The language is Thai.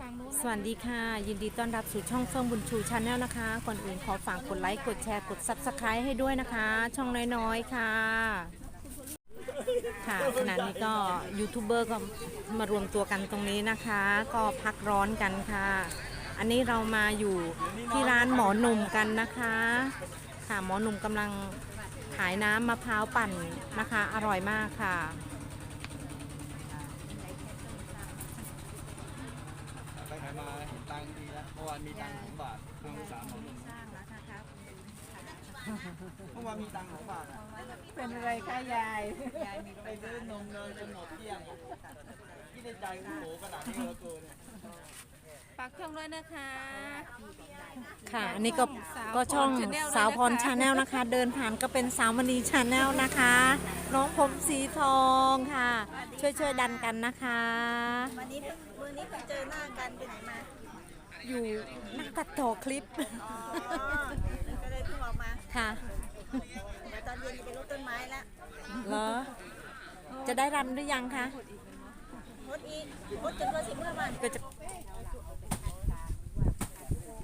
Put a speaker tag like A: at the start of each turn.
A: สวัสดีค่ะยินดีต้อนรับสู่ช่องเฟื่องบุญชูชาแนลนะคะก่อนอื่นขอฝากกดไลค์กดแชร์กด Subscribe ให้ด้วยนะคะช่องน้อยๆค่ะค่ะขณะนี้ก็ยูทูบเบอร์ก็มารวมตัวกันตรงนี้นะคะก็พักร้อนกันค่ะอันนี้เรามาอยู่ที่ร้านหมอหนุ่มกันนะคะค่ะหมอหนุ่มกำลังขายน้ำมะพร้าวปั่นนะคะอร่อยมากค่ะ
B: ไปไหนมาเห็นตังค์ดีแล้วเมื่อวานมีตังค์2 บาทตังค์3 บาทเมื่อวานมีตังค์2 บาท
C: เป็นอะไรคะยาย
B: ไปซื้อนมเนยจนหมดเกลี้ยงที่ในใจโอ้โหกระดาษนี่เหลือเกิน
C: ฝากช่องด้วยนะคะ
A: ค่ะอันนี้ก็ช่องสาวพรชาแนลนะคะเดินผ่านก็เป็นสาวมณีชาแนลนะคะน้องผมสีทองค่ะช่วยดันกันนะคะ
D: วันนี้เพิ่งเจอหน้ากันไปไหนมา
A: อยู่นักตัดต่อคลิป
D: อ๋อ ก็เลยเพิ่งออกมา
A: ค่ะ
D: เดี๋ยวตอนเย็นจะไปรดต้นไม้แล้ว
A: เหรอจะได้รำหรือยังคะ
D: รดอีกรดจนตัว15 วัน
A: ก็จะ